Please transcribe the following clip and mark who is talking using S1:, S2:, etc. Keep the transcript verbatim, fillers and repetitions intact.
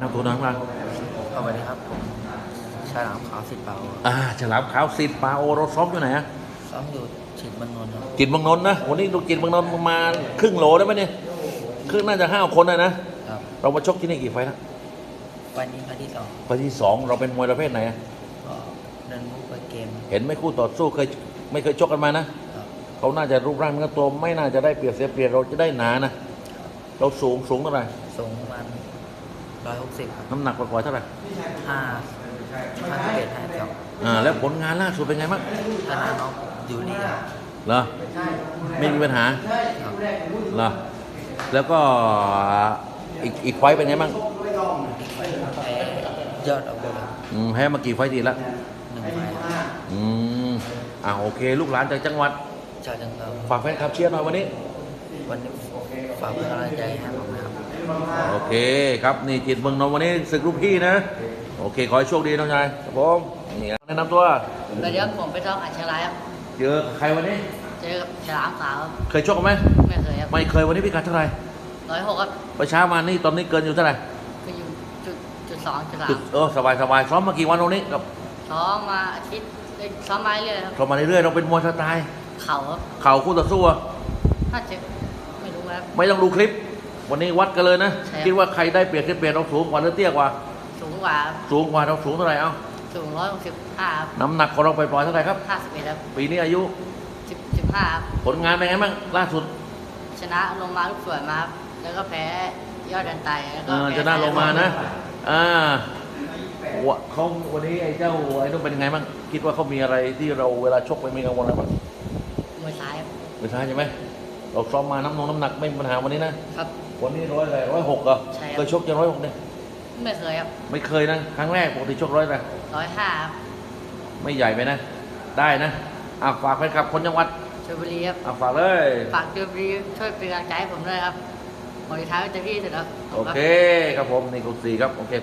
S1: น้ำตัวนั้นมา
S2: สวัสดีครับผมฉลามขาวสิทธิ์เปา
S1: อ่าฉลามขาวสิทธิ์ปาโอเราซ้อมอยู่ไหนฮะ
S2: ซ้อมอยู่ฉินบางนนท์ครับ
S1: จิตรเมืองนนท์นะวันนี้ดูจิตรเมืองนนท์ประมาณครึ่งโหลได้ไหมเนี่ยครึ่งน่าจะห้าคนเลยนะครับ เรามาชกที่นี่กี่ไฟล์แล้ว
S2: วันนี้พาร์ทที่สอง
S1: ไฟล์ที่สองเราเป็นมวยประเภทไหนอะ
S2: ก็เดินมุกไปเกม
S1: เห็นไหม่คู่ต่อสู้เคยไม่เคยชกกันมานะครับ เขาน่าจะรูปร่างเนื้อตัวไม่น่าจะได้เปรียบเสียเปรียบเราจะได้หนานะเราสูงสูงเท่าไหร่
S2: สูงประมาณร้อยหกสิบครับ
S1: น้ำหนักปล่อยๆเท่าไหร่
S2: ห้าห้าสิบเอ็ดห้าสิบสอง
S1: อ่าแล้วผลงานล่าสุดเป็นไงบ้าง
S2: ชนะน้องยูริครับ
S1: เหรอไม่มีปัญหา
S2: ครับ
S1: เหรอแล้วก็อีกอีกไฟล์เป็นไงบ้าง
S2: อีกไฟล์แพ้ยอดอาวุธครับ
S1: อืมแพ้มากี่ไฟล์ทีแล้ว
S2: หนึ่งไฟล์ครับ
S1: อืมอ่าโอเค ลูกหลานจากจังหวัด
S2: ชาวจังเกา
S1: ฝากแฟนคลับเชียร์หน่อยวันนี้
S2: วันนี้ฝากเป็นกำลังใจให้ผมนะครับ
S1: โอเคครับนี่จิตรเมืองนนท์วันนี้ศึกลูกพี่นะ โอเค ขอให้โชคดีน้องชายครับผมนี่แนะนำตัว
S3: สวัสดีครับผมไปท้องอัชราครับ
S1: เจอใครวันนี้
S3: เจอกับฉลามขาวครับ
S1: เคยชกกันไหม
S3: ไม่เคยครับ
S1: ไม่เคยวันนี้พิกัดเท่าไหร่
S3: ร้อยหกครับ
S1: ไปเช้ามานี่ตอนนี้เกินอยู่เท่าไหร่
S3: ก็อยู่จุดจุดสองจุดสา
S1: จุ
S3: ม
S1: ดเออสบายสบายซ้อมมากี่วันตรงนี้กับ
S3: ซ้อมมาอาทิตย์เอ้ยซ้อมมาเรื่อยๆครับ
S1: ซ้อมมาเรื่อยๆเราเป็นมวยสไตล์
S3: เข่าครับ
S1: เข่าคู่ต่อสู้อะ
S3: ถ้าเจ็บไม่รู้ครับ
S1: ไม่ต้องดูคลิป วันนี้วัดกันเลยนะ
S3: ใช่ครับ
S1: คิดว่าใครได้เปรียบเสียเปรียบเราสูงกว่าหรือเตี้ยกว่า
S3: สูงกว่าครับ
S1: สูงกว่าเราสูงเท่าไหร่เอ้า
S3: สูงร้อยหกสิบห้าครับ
S1: น้ำหนักของเราไปปล่อยๆเท่าไหร่ครับ
S3: ห้าสิบเอ็ดครับ
S1: ปีนี้อายุ
S3: สิบสิบห้าครับ
S1: ผลงานเป็นไงบ้างล่าสุด
S3: ชนะลงมาลูกสวยมาครับแล้วก็แพ้ยอดดันไตแล้ว
S1: เอ
S3: ก็
S1: อ
S3: แพ้
S1: ชนะลงมานะอ่าวะเขาวันนี้ไอ้เจ้าไอ้นุ่มเป็นไงบ้างคิดว่าเขามีอะไรที่เราเวลาชกไปมีกังวลอะไรบ้าง
S3: มวยซ้ายครับ
S1: ไม่ใช่ใช่ไหมเราซ้อมมาน้ำนงน้ำหนักไม่มีปัญหาวันนี้นะครับ วันนี้ร้อยอะไรร้อยหกเหรอ
S3: ใช่ครับ
S1: เคยชกจะร้อยหกเนี่ย
S3: ไม่เคยครับ
S1: ไม่เคยนะครั้งแรกปกติชกร้อยอะไร
S3: ร้อยห้าครับ
S1: ไม่ใหญ่ไปนะ ได้นะอ่ะฝากแฟนคลับคนจังหวัด
S3: ชลบุรีครับ
S1: อ่ะฝากเลย
S3: ฝากชลบุรีช่วยเป็นกำลังใจให้ผมด้วยครับผมจะท้ายจะพี่เสร็จแล้ว
S1: โอเคครับผมนี่กุศลครับโอเค